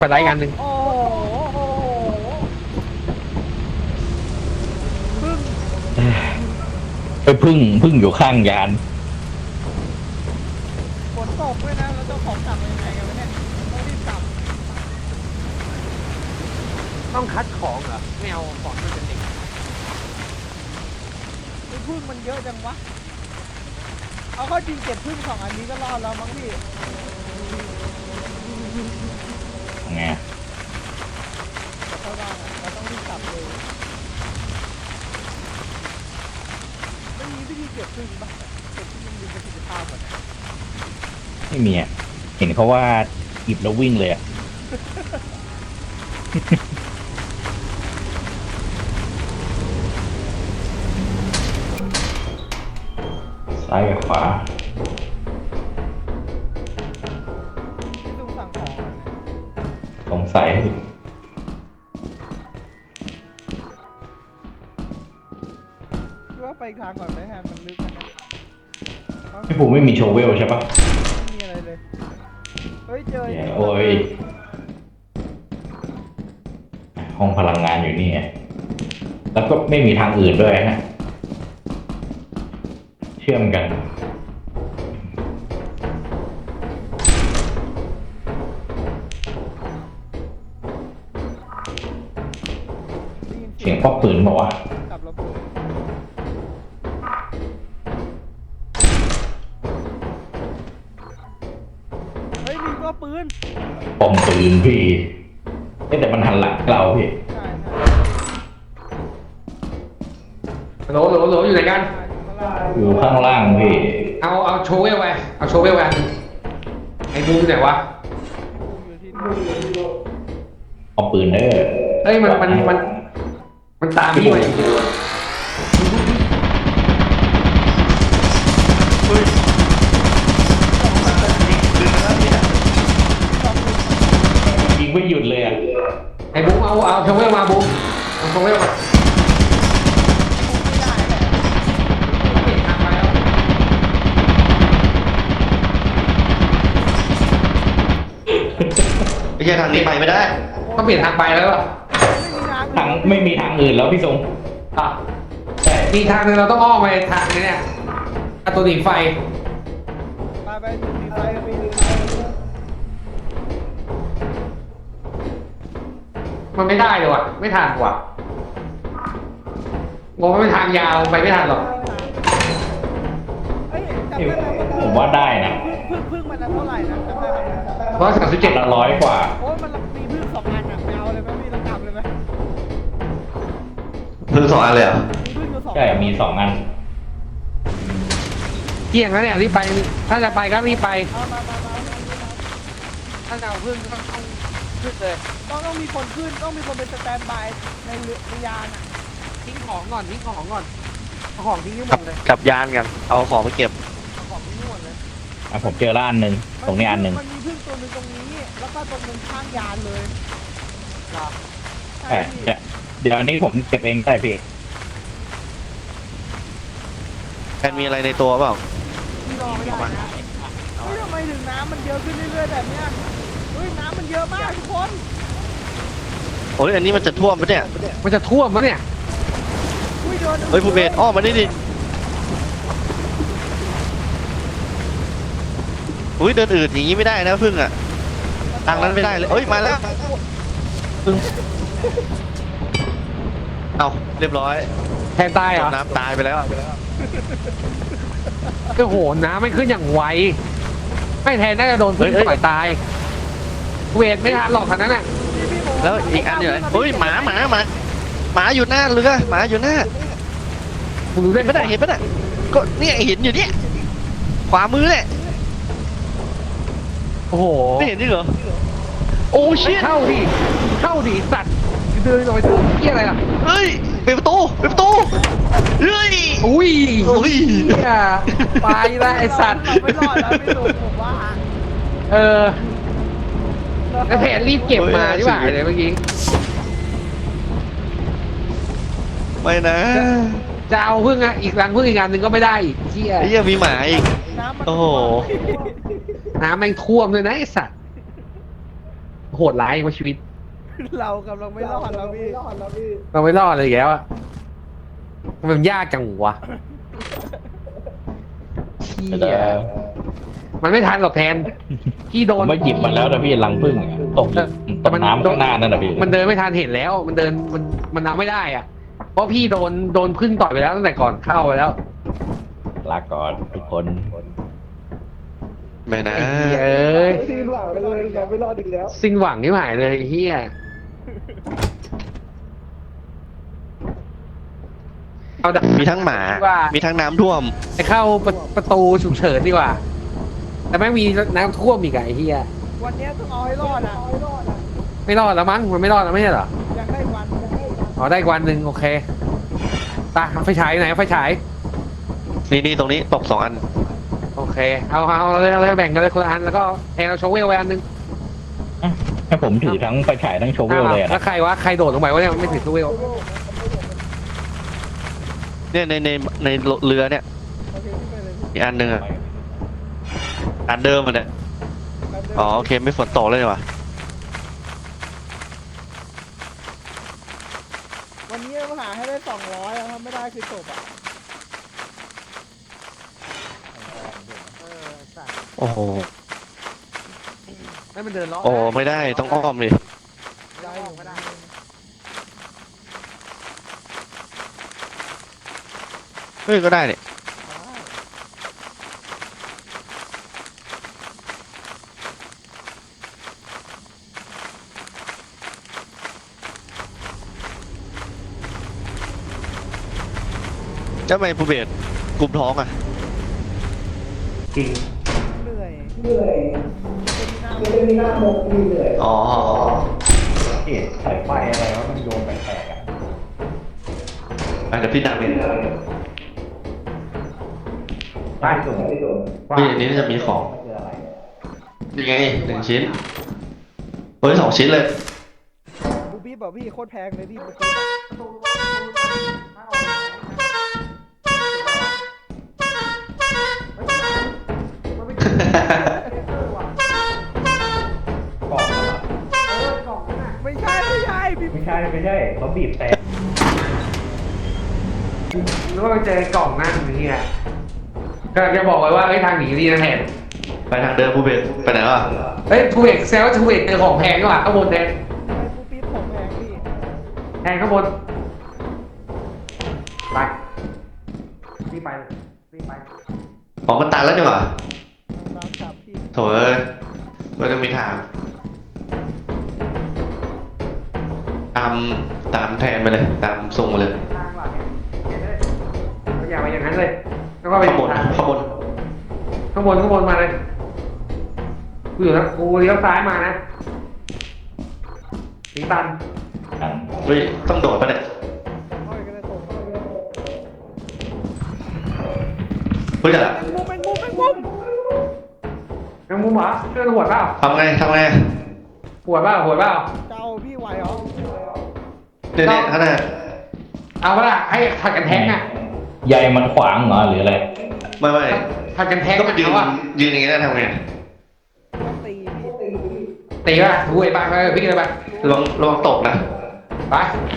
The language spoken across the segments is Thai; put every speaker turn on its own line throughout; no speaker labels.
ไปไลฟ์งานหนึ่ง
โอ้โหพึ่ง
ไปพึ่งอยู่ข้างยาน
ฝนตกด้วยนะแล้วเจ้าของกลับยังไงกันวะเนี่ยต้องรีบกลับ
ต้องคัดของเหรอไม่เอาของมันเป็นเด็ก
พึ่งมันเยอะจังวะเอาเข้าจริงเก็บพึ่ง2 อันนี้ก็รอดแล้วมั้งพี่
ไง
เข้าบ้านเราต้องรีบกลับเลยไม่มีวิธีเก็บพึ่งปะเก็บพึ่งมันมีประสิทธิภาพกว่านะ
ไม่มีอ่ะเห็นเขาว่าหยิบแล้ววิ่งเลยอ่ะ ซ้ายกับขวา
ที่ลุงสั่งของอะ
สงสัย
คิดว่าไปอีกทางก่อนไหมฮะมันลึกนะเนี่ย
พี่ภูมิไม่มีโชเวลใช่ปะ
ไม่มีอะไรเลยเฮ้ยเจอ
เนี่ยโอ้ยห้องพลังงานอยู่นี่ไงแล้วก็ไม่มีทางอื่นด้วยนะเชื่อมกัน
ได้ยิน
เสียงป๊อกปืนบอกว่า
กับระเบิดเฮ้ยมีก็ปืน
ปมปืนพี่เอ๊ะแต่มันหันหลังเราพี่
ใช่ใช่
โหลอยู่ไหนกัน
อยู่ข้างล่าง
อยู่ข้างล่างพี่
เอาโชว์เวลไปเอาโชว์เวลไปไอ้บูมไหนวะ
อยู่ที่นี่
เอาปืนเด้อ
เฮ้ยมันตามพี่มาอยู่
ยิงไม่หยุดเลยอ่ะ
ไอ้บูมเอาโชว์เวลมาบูมเอาโชว์เวลมา
ไม่ได้แหละ
เปลี่ยนทางไปแล้ว
ไม่ใช่ทางนี้ไปไม่ได้
ต้องเปลี่ยนทางไปแล้วอ่ะ
ไม่มีทาง
ทางไม่มีทางอื่นแล้วพี่ทรง
อ่ะ
ใช่
มีทางนึงเราต้องอ้อมไปทางนี้เนี่ยประตูหนีไฟ
ไปมีไฟก็มีไฟ
มันไม่ได้เลยว่ะไม่ทันว่ะงงว่าเป็นทางยาวไปไม่ทันหรอก
เฮ้ยจำได้ไหม
ผมว่าได้นะ
พึ่งมันเท่าไหร่นะจำได้ไหม
137
ละร้อยกว่า
โอ้ยมันมีพึ่ง2 อันอ่ะไม่เอาเลยไหมพี่เรากลับเลยไหม
เพิ่ง2 อันเลยเหรอ
มีพึ่งอยู่2
ใช่มี2 อัน
เกี่ยงแล้วเนี่ยรีบไปถ้าจะไปก็รีบไป
มา
ถ้าจะเอาพึ่งก็ต้องขึ้นเลย
ต้องมีคนขึ้นต้องมีคนเป็นสแตนด์บายในเรือยานอ่ะ
ทิ้งของก่อนเอาของทิ้งให้หมดเลย
กลับยานกัน เอาของไปเก็บ
เอาของที่นู่นเลย
อ่ะผมเจอละอันหนึ่งตรงนี้อันหนึ่ง
มันมีพึ่งตัวหนึงตรงนี้แล้วก็ตรงนึงข้างยานเลย
เหรอ
ใช่
ใช่เดี๋ยวอันนี้ผมเก็บเองได้พี่
แอนมีอะไรในตัวเปล่า
พี่รอไม่ได้นะเฮ้ยทำไมถึงน้ำมันเยอะขึ้นเรื่อยๆแบบเนี้ยเฮ้ยน้ำมันเยอะมากทุกคน
โอ้ยอันนี้มันจะท่วมปะเนี่ย
มันจะท่วมมั้ยเนี่ย
อุ้ยโดน
เฮ้ยผู้เบสอ้อมมานี่ดิอุ้ยเดินอืดอย่างงี้ไม่ได้นะพึ่งอ่ะทางนั้นไม่ได้เลยเอ้ยมาแล้วพึ่งเอาเรียบร้อย
แทนตายเหรอ
น้ำตายไปแล้ว
โอ้โหน้ำไม่ขึ้นอย่างไวไม่แทนน่าจะโดนพึ่งต่อยตายเวทไม่ทันหรอกขนาดนั้นน่ะ
แล้วอีกอันอยู่ไหนเฮ้ยหมาอยู่หน้าเรือหมาอยู่หน้า
มึงรู้ได้
เห็นปะเนี่ยเห็นปะเนี่ยก็เนี่ยเห็นอยู่เนี่ยขวามือเนี่ย
โอ้โห
ไม่เห็นจริงเหรอโอ้ชิต
เข้าดิสัตว์เดินลอยตัวเกี่ยอะไรล่ะ
เฮ้ยเปิดประตูเฮ้ย
อุ้ย
อุ้ย
เหี้ยไปละไอสัตว์
เราไม่รอดแล้วพี่ตู่ผมว่า
เออแล้วแผนรีบเก็บมาที่บ่ายเลยเมื่อกี้
ไม่นะ
จะเอาพึ่งอ่ะอีกรังพึ่งอีกอันหนึ่งก็ไม่ได้อีกเที่ย
ไอ้เหี้ยมีหมาอีก
น้ำมัน
โอ้โห
น้ำแม่งท่วมเลยนะไอสัตว์โหหดร้ายกว่าชีวิต
เรากำลังไม่รอดแล้วพี่
เราไม่รอดเลยอีกแล้วอะมันยากจังวะเชี่
แต่
ยมันไม่ทันหรอกแทนพี่โด
ผม
น
ไม่หยิบมันแล้วนะพี่รังผึ้งอะตกตกน้ำข้างหน้านั่นนะพี่
มันเดินไม่ทันเห็นแล้ว มันเดินมันเอาไม่ได้อ่ะ เพราะพี่โดนพึ่งต่อยไปแล้วตั้งแต่ก่อนเข้าไปแล้ว
ลาก่อนทุกคน
ไม่นะ
ไอ้เหี้ยเอ้ย
สิ้นหวังเลยเราไม่รอดอีกแล้ว
สิ้นหวังที่หายเลยไอ้เฮียเอาดับ
มีทั้งหมา
ว่า
มีทั้งน้ำท่วม
ไปเข้าประตูฉุกเฉินดีกว่า แต่แม่งมีน้ำท่วมอีกอะไอ้เฮีย
วันนี้ต้องเอาให้รอดอ่ะ
ไม่รอดแล้วมั้งมันไม่รอดแล้วไม่ใช่เหรอ
ยังได้วัน
อ๋อได้อีกวันหนึ่งโอเคตาไฟฉายอยู่ไหนไฟฉาย
นี่ตรงนี้ตก2 อัน
โอเคเอาเลยแบ่งกันเลยคนละอันแล้วก็แทนเราโชว์เวลไว้อันหนึง
ให้ผมถือทั้งไฟฉายทั้งโชเวลเลยอะ
แล้
นะ
วใครวะใครโดดลงไปวะเนี่ยไม่ถือโชว์เวล
เนี่ยในเรือเนี่ย
โอเคพี่ไปเลยพี่
อีกอันหนึ่งอะอันเดิมมันเนี่ยอ๋อโอเคไม่ฝนตกเลยว่ะ
วันนี้เราหาให้ได้200แล้วถ้าไม่ได้คือจบอ่ะสั่ง
โอ้โห
ให้มันเดินล้อ
โอ้ไม่ได้ต้องอ้อมเลย
ได้อยู่ไม่ได้
เฮ้ยก็ได้เนี่ยทำไมภูเบศกลุ่มท้องอ่ะ
จริง
เหนื่อยเป็นหน้าโมก
อ๋อ
เอ็ดสายไฟอะไรวะมันโยนแปลกๆอะ
เดี๋ยวพี่ดังเอง
ใต้สูง
พี่อันนี้น่าจะมีของยังไง1 ชิ้นเฮ้ย2 ชิ้นเลย
บูบี้บอกพี่โคตรแพงเลยพี่บูบี้
กล่องอะ
ไม่ใช่พี่
ไม่ใช่เขาบีบแต่
นึกว่าไปเจอกล่องนั่นอย่างเงี้ยก็จะบอกไว้ว่าทางหนีดีนะแทน
ไปทางเดิมภูเบศไปไหนวะ
ทูเอกแซวทูเอกเจอของแพงก็ว่าข้างบนแทน
บูบี้ผมแพงพี่
แทนข้างบนไปรีบไปรีบไป
ของมันตันแล้วนี่หว่า
ตามจับพี่
โถ่เอ้ยไม่ต้องมีทางตามแทนไปเลยตามส่งมาเลย
ทางหลังเนี่ยอย่าไปอย่างนั้นเลยแล้วก็ไป
ข้างบน
ทาง
ข้างบน
ข้างบนมาเลยกูอยู่แล้วกูเลี้ยวซ้ายมานะสีตัน
เฮ้ยต้องโดดปะเนี่ย
ค่อยก็ได้ส่ง
เฮ้ยจะ
มุมเป็นมุม
แมงมุมเหรอเชื่อหัวดเปล่า
ทำไง
หัวดเปล่า
เจ้าพี่ไหวเหรอ
เนี่ยข้างหน้า
เอาปะล่ะให้ผัดกันแทงอ่ะ
ใยมันขวางเหรอหรืออะไร
ไม่
ผัดกันแทง
ก็มายืน
เอาอ่ะ
ยืนอย่างงี้ได้ทำไง
ต้องตีพี่
ตีป่ะถูไอ้ปากไปพี่เลยไป
ระวังตกนะ
ไป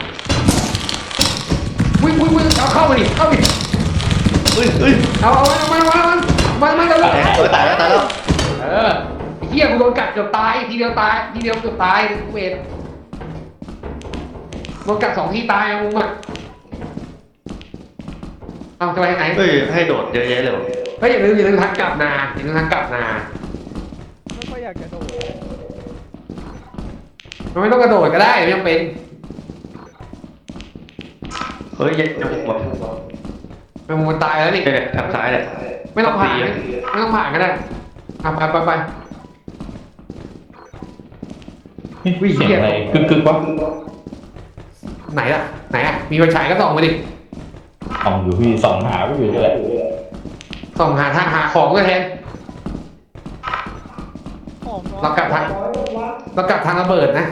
วิ่งเอาเข้ามาดิเข้าดิ
เฮ้ย
เอามันเลย
ตายแล้ว
เออไอ้เหี้ยกูโดนกัดเกือบตายทีเดียวเกือบตายกูเวทโดนกัด2 ทีตายมึงอ่ะเอาจะไปทางไหน
เฮ้ยให้โดดเยอะแยะเลยวะ
เฮ้ยอย่าลืมทางกลับนาอย่าลืมทางกลับนา
ไม่ค่อยอยากจะโดด
มันไม่ต้องกระโดดก็ได้ไม่จำเป็น
เฮ้ยยังแบบ
มันตายแล้วนี่
เนี่ยทางซ้ายเนี่ย
ไม่ต้องผ่านไม่ต้องผ่านก็ได้ไป
เสียงอะไรกึกวะ
ไหนอ่ะมีไฟฉายก็ส่องไปดิ
ส่องอยู่พี่ส่องหาก็อยู่เลย
ส่องหาทางหาของก็แทน
ของ
เรากลับทางระเบิดนะ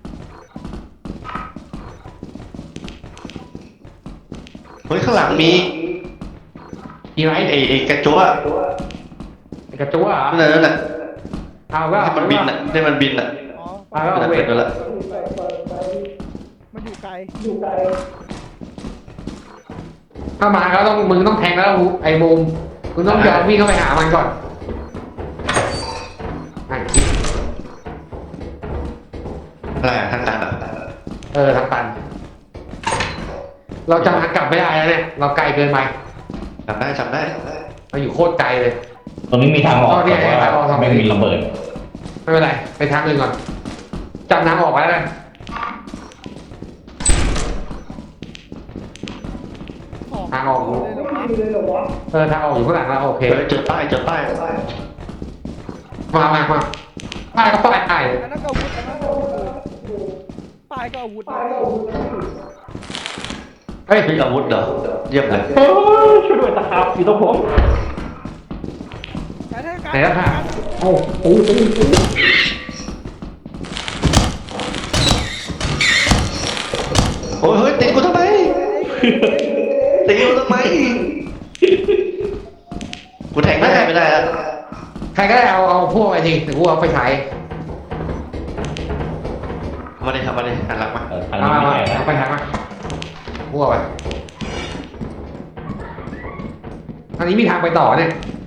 เฮ้ยข้างหลังมี
มีไร
ไอ้กระจั่ว
ไอ้กระจั๊วเหรอ
นั่นน่ะ
เอาว่า
ที่มันบินอ่ะ
อ๋อ
เอาแล้วเอาเวท
ไปแล้ว
มันอยู่ไกล
ถ้ามาก็ต้องมึงต้องแทงแล้วไอ้บูมมึงต้องยอมวิ่งเข้าไปหามันก่อนไอ้
อะไรทางตันอ่ะ
ทางตันเราจะมากลับไม่ได้แล้วเนี่ยเราไกลเกินไป
จำได้
เราอยู่โคตรไกลเลย
ตรงนี้มีทางออก
อ๋อเนี่ย
แต่
ทางออก
ว่าไม่มีระเบิด
ไม่เป็นไรไปทางอื่นก่อนจำทางออกไว้แล้วกัน
ของ
ทางออก
เลยเหรอวะ
ทางออกอยู่ข้างหลังแล้วโอเค
เฮ้ยเจอป้าย
มาป้ายก็ป้าย
อันนั้นก็อาวุธอันนั้นก็อาวุธปลายก็อาวุธนะ
เฮ้ย
มีอาวุธเหรอเยี่ยมเลย
ช่วยด้วยตะขาบอยู่ตรงผม
แต่ถ้าการ
ไหนแล้วค่ะโอ้โห
โอ้ยเฮ้ยตีกูทำไมตีกูทำไมกูแทงได้ไม่ได้อะ
ใครก็ได้เอาพวกไอ้ทีแต่กูเอาไปใช้
มาดิหันหลังมา
ทางนี้ไม่ใช่นะ
เอาไปใช้มาพวกไปอันนี้มีทางไปต่อเนี่ย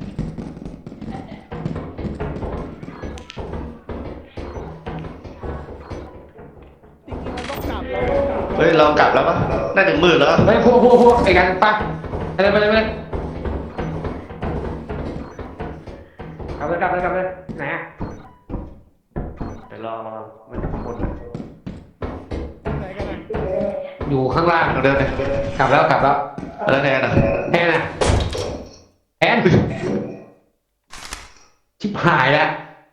จริงๆมันต้องกลับแล้ว
เฮ้ยเรากลับแล้วปะน่าจะมืดแล้ว
เฮ้ยพวกไอ้กันไปไปเลยกลับเลยไหนอ่ะ
เดี๋ยวรอมันหมด
ไหนกันนะ
อยู่ข้างล่าง
ทางเดินเลย
กลับแล้ว
แล้วแทนอ่ะ
แอนอะแอนชิบหายแล้ว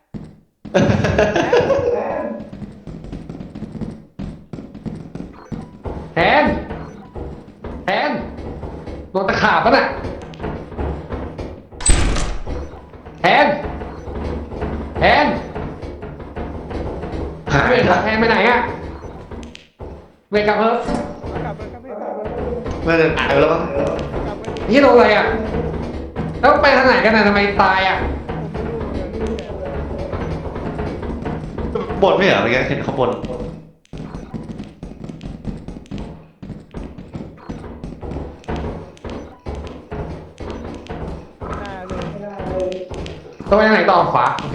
แอนโดนตะขาบปะน่ะแอน
หาย
เวท
ละ
แอนไปไหนอะเวทกลับเถอะ
กลับไปกลับไปกลับไป
ไม่ได้หายไปแล้วมั้ง
กลับไป
นี่โดนอะไรอะแล้วไปทางไหนกันน่ะทำไมตายอะ
บนไม่เหรอเมื่อกี้เห็นเขาบน
ต้องไปทางไหนต่อขวาโอเค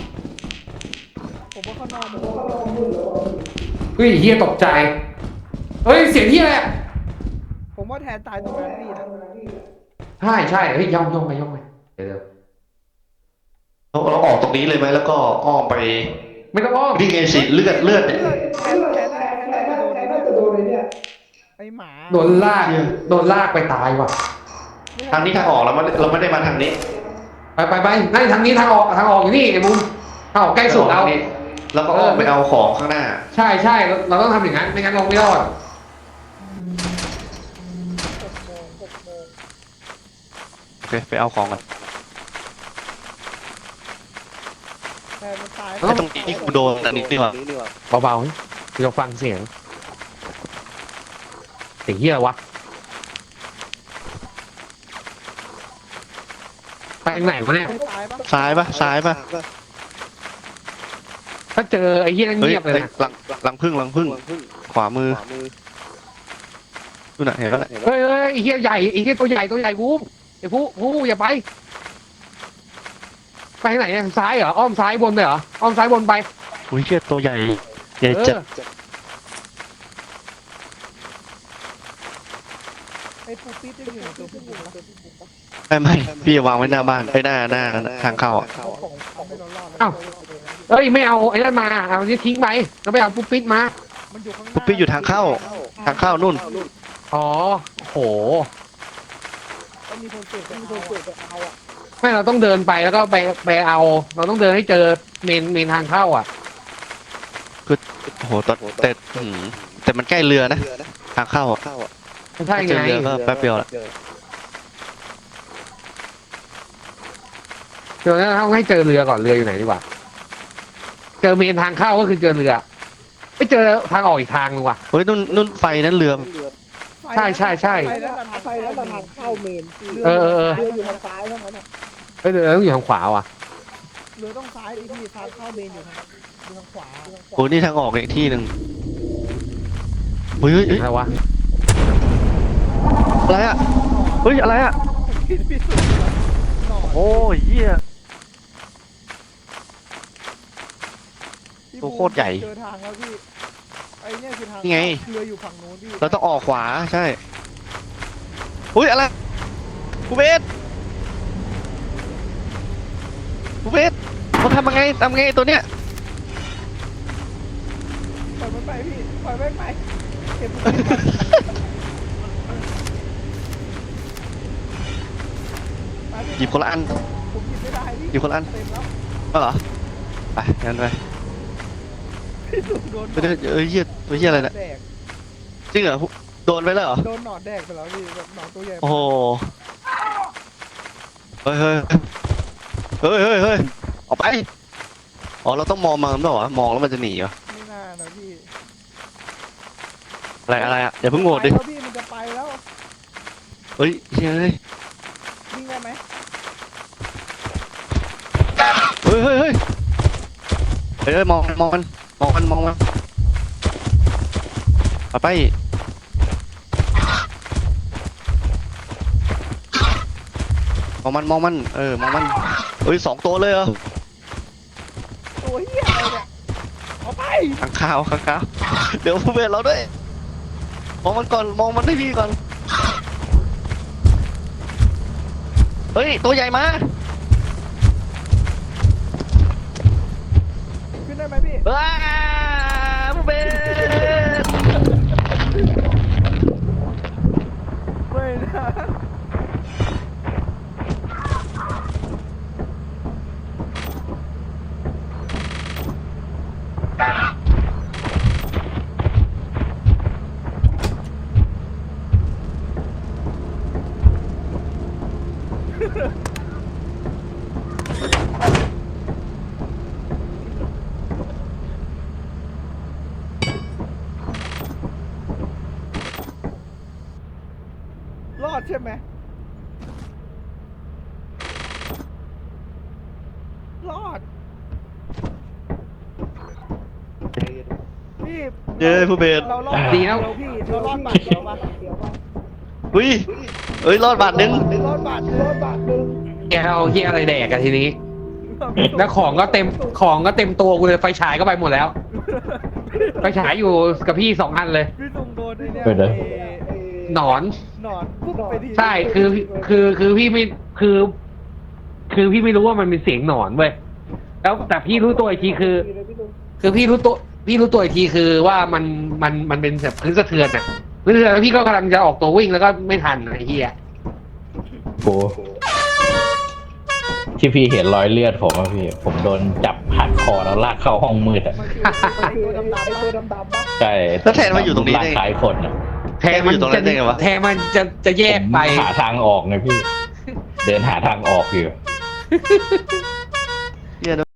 ผมว่าข้างนอกมัน
เฮ้ยเฮียตกใจเฮ้ยเสียงเฮียอะไรอะ
ผมว่าแทนตายตรงนั้นพี่นะ
ใช่เฮ้ยย่องไปเดี๋ยว
เราออกตรงนี้เลยไหมแล้วก็อ้อมไป
ไม่ต้องอ้อม
นี่ไงสิเลือดเนี่ย
แทนน่าจะโดนไอ้หมา
โดนลากไปตายว่ะ
ทางนี้ทางออกเราไม่ได้มาทางนี้
ไปนั่นทางนี้ทางออกอยู่นี่ไอ้บุ้มทางออกใกล้สุดเรา
แล้วก็อ้อมไปเอาของข้างหน้า
ใช่เราต้องทำอย่างนั้นไม่งั้นลงไม่รอด
โอเคไปเอาของกัน
แทนมันตาย
ไอ้ตรงนี้กูโดนอันนี้นี่หว่า
เบาๆเราฟังเสียงเฮียอะไรวะไปทางไหนวะเนี่ย
ตายปะ
ซ้ายปะ
ถ้าเจอไอ้เฮียนั่น
เฮ้ย
เงียบเลยนะ
หลังพึ่งขวามือดูหน่ะเห็นแล้ว
เฮ้ยไอ้เฮียใหญ่ไอ้เฮียตัวใหญ่บูมไอ้ผู้อย่าไปทางไหนเนี่ยซ้ายเหรออ้อมซ้ายบนเลยเหรออ้อมซ้ายบนไป
อุ้ยเชี่ยตัวใหญ่จัด
ไอ้ปูปิ๊ดยังอยู่ในตัวผู้หญิงปะ
ไม่พี่วางไว้หน้าบ้านหน้าทางเข้า
เอาของทำให้เรารอด
เอ้าเอ้ยไม่เอาไอ้นั่นมาเอาที่ทิ้งไปแล้วไปเอาปุ๊บปิดมา
มันอยู่ข้างหน้า
ปุ๊บปี้อยู่ทางเข้านู่น
อ๋อโห
ต้องมีคนเจ็บไปเอาอ่ะ
ไม่เราต้องเดินไปแล้วก็ไปเอา เราต้องเดินให้เจอเมนทางเข้าอ่ะ
โอ้โหแต่มันใกล้เรือนะทางเข้า
ไม่ใช่
เจอ
ไง
เรือก็แป๊บเดียวละ
เดี๋ยวนั้นต้องให้เจอเรือก่อนเรืออยู่ไหนดีกว่า เจอเมนทางเข้าก็คือเจอเรือไม่เจอทางออกอีกทางนึงว่ะ
เฮ้ยนู่นไฟนั้นเรือ
ใช่
ไปแล้วทางเข้าเมน
เออ
เรืออยู่ทางซ้ายเท่านั้น
เฮ้ยเรือต้องอยู่ทางขวาว่ะ
เรือต้องซ้ายไอ้ที่ทางเข้าเมนอยู่ทางดูทางขวา
โอ้นี่ทางออกอีกที่หนึ่งเฮ้ยเฮ้ยเฮ้ย
อะไรวะ
อะไรอะเฮ้ยอะไรอะ
ผิดพิสูจน์หนอน
โอ้ยเหี้ย
พี่
ตัวโคตรใหญ่
เจอทางแล้วพี่ไอ้เนี่ยคือทาง
นี่ไง
เรืออยู่ฝั่งนู้นพี่
เราต้องออกขวาใช่อุ้ยอะไรกูเบสกูเบสมันทำยังไงตัวเนี้ย
ปล่อยมันไปพี่ปล่อยมันไปเก็บมันไปพี่
หยิบคนละอัน
ผมหยิบไม่ได้พี่
หยิบคนละอัน
เต็มแล้ว
ก็เหรอไปงั้นไป
พี่สุดโดน
ไม่ได้เอ้ยเหี้ยตัวเหี้ยอะไรเนี่ย
แดก
จริงเหรอโดนไปแล้วเหรอ
โดนหนอนแดกไปแล้วพี่แบบหนอนตัวใหญ่
โอ้โหเฮ้ยเฮ้ยเฮ้ยเฮ้ยเฮ้ยออกไปอ๋อเราต้องมองมันด้วยเหรอมองแล้วมันจะหนีเหรอ
ไม่น่านะพี่
อะไรอ่ะอย่าเพิ่งโหวตดิ
ไปแล้วพี่มันจะไปแล้ว
เฮ้ยเฮ้ย
วิ่งได้ไหม
เฮ้ยเฮ้ยเฮ้ยเฮ้ยมองมันไปมองมันมองมันเฮ้ย2 ตัวเลยเหรอ
ตัวเหี้ยอะไรเนี่ยเอาไป
ข้างข้าวเดี๋ยวผู้เบสเราด้วยมองมันก่อนมองมันให้พี่ก่อนเฮ้ยตัวใหญ่มา
ขึ้นได้ไหมพี่
ว้าผู้เบส
ไม่นะ รอดใช่ไหมรอดพี่
เย้ผู้เบส
เรารอด
ดีแล้ว
พี่เรารอดบาทเดียวปะ
อุ้ยเอ้ยรอดบาทหนึง
รอดบาทรอดบาทหนึ่ง
แกเอาเฮียอะไรแดกกันทีนี้ แล้วของก็เต็มตัวกูเลยไฟฉายก็ไปหมดแล้ว ไฟฉายอยู่กับพี่2 อันเลย
พี่ตุงโดนไอ้เนี่ย
ไปเลย
ไอ้
หนอน
หนอนปุ๊บไปที
ใช่คือพี่ไม่คือพี่ไม่รู้ว่ามันเป็นเสียงหนอนเว้ยแล้วแต่พี่รู้ตัวอีกทีคือพี่รู้ตัวอีกทีคือว่ามันเป็นแบบพื้นสะเทือนอ่ะพื้นสะเทือนแล้วพี่ก็กำลังจะออกตัววิ่งแล้วก็ไม่ทันไอ้เหี้ย
กูที่พี่เห็นรอยเลือดผมอะพี่ ผมโดนจับหัดคอแล้วลากเข้าห้องมืดอะ
มันคือไอ้ตัวดำๆปะตัวดำๆปะ
ใช่
แล้วแทนมาอยู่ตรงนี้ได้
ร่างกายคนอะ
แทนมัน
อยู่ตรงนั้นได้ไงวะ
แทนมันจะแยกไป
ผมหาทางออกไงพี่ เดินหาทางออกอยู่
เหี้ย